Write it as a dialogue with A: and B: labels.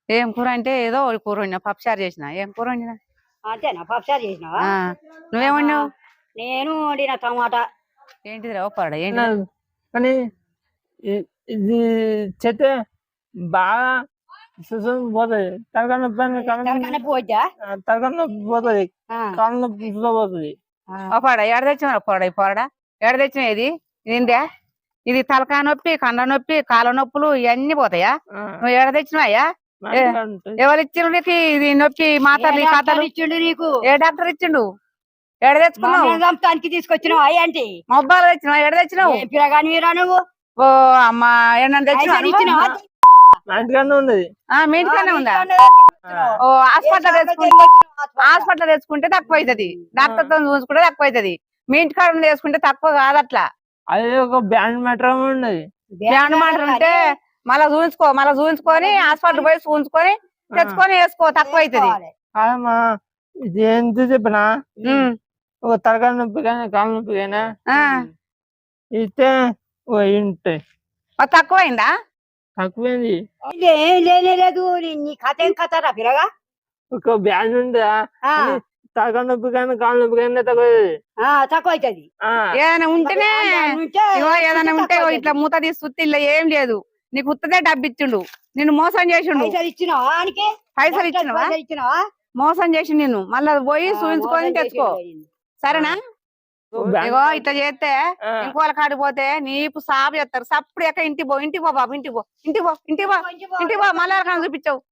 A: ఏం కూర అంటే ఏదో ఒక కూర వండినా, పప్పుచారు చేసిన. ఏం కూర వండినా?
B: అంతేనా? పప్పుచారు చేసినావా?
A: నువ్వేం వండినావు?
B: నేను వండిన టమాటా.
A: ఏంటిది పరోడా? ఏంటి
C: కానీ ఇది చెత్తే బాగా సుసం పోతుంది. తలకాయ నొప్పి
B: పోద్దా?
C: తలకాయ నొప్పి పోతుంది, కాళ్ళ నొప్పి పోతుంది.
A: పరోడా ఎడ తెచ్చినా? పరోడా ఈ పరోడా ఎడ తెచ్చినా? ఇది ఇదిందే? ఇది తలకాయ నొప్పి, కండ నొప్పి, కాళ్ళ నొప్పులు ఇవన్నీ పోతాయా? నువ్వు ఎడ తెచ్చినావా? ఎవరు ఇచ్చిండు నీకు ఇది నొప్పి మాటలు కథలు?
B: ఇచ్చిండు నీకు?
A: ఏ డాక్టర్ ఇచ్చిండు? ఎడ తెచ్చుకున్నావు?
B: చంపడానికి తీసుకొచ్చినావు అయ్యంటి
A: మొబ్బాలు తెచ్చినావు? ఎడ తెచ్చినావు?
B: పిల్లగాని మీరా నువ్వు?
A: ఓ అమ్మా ఏమన్నా తెచ్చినావు?
C: ఉన్నది
A: మీ ఇంటికనే ఉందా? ఓ హాస్పిటల్ తెచ్చుకుంటే తక్కువ అవుతుంది, డాక్టర్ తో చూసుకుంటే తక్కువ అవుతుంది. మీ ఇంటికాడ తెచ్చుకుంటే తక్కువ కాదు అట్లా.
C: అది ఒక బ్యాండ్ మ్యాటర్ ఉన్నది.
A: బ్యాండ్ మ్యాటర్ ఉంటే మళ్ళా చూపించుకొని హాస్పిటల్ పోయి చూపించుకొని తెచ్చుకొని వేసుకో, తక్కువ అవుతుంది.
C: కాదమ్మా, ఇది ఎంత చెప్పినా ఒక తలకాయ నొప్పి కానీ కాళ్ళ నొప్పి కానీ ఇస్తే ఉంటాయి.
A: తక్కువైందా?
C: తక్కువైంది.
B: ఏం లేనేలేదు. నీ కథ ఏం కథరా పిల్లగా?
C: ఒక బ్యాండ్ ఉందా? తలకాయ నొప్పి కానీ కాళ్ళ నొప్పి కానీ
B: తక్కువ అవుతుంది.
A: ఏదైనా ఉంటేనే ఏదైనా ఉంటే ఇట్లా మూత తీసి సుత్తి ఇలా ఏం లేదు, నీకు ఉత్తదే డబ్బు ఇచ్చిండు, నిన్ను మోసం చేసిండు. పైసలు ఇచ్చినవా? మోసం చేసి నిన్ను మళ్ళా పోయి చూపించుకొని తెచ్చుకో, సరేనా? ఇగో ఇట్లా చేస్తే ఇంకోళ్ళ కాడిపోతే నీపు సాపు చేస్తారు. సప్పుడు ఎక్క ఇంటికి పో బాబు, ఇంటికి పో మళ్ళా చూపించావు.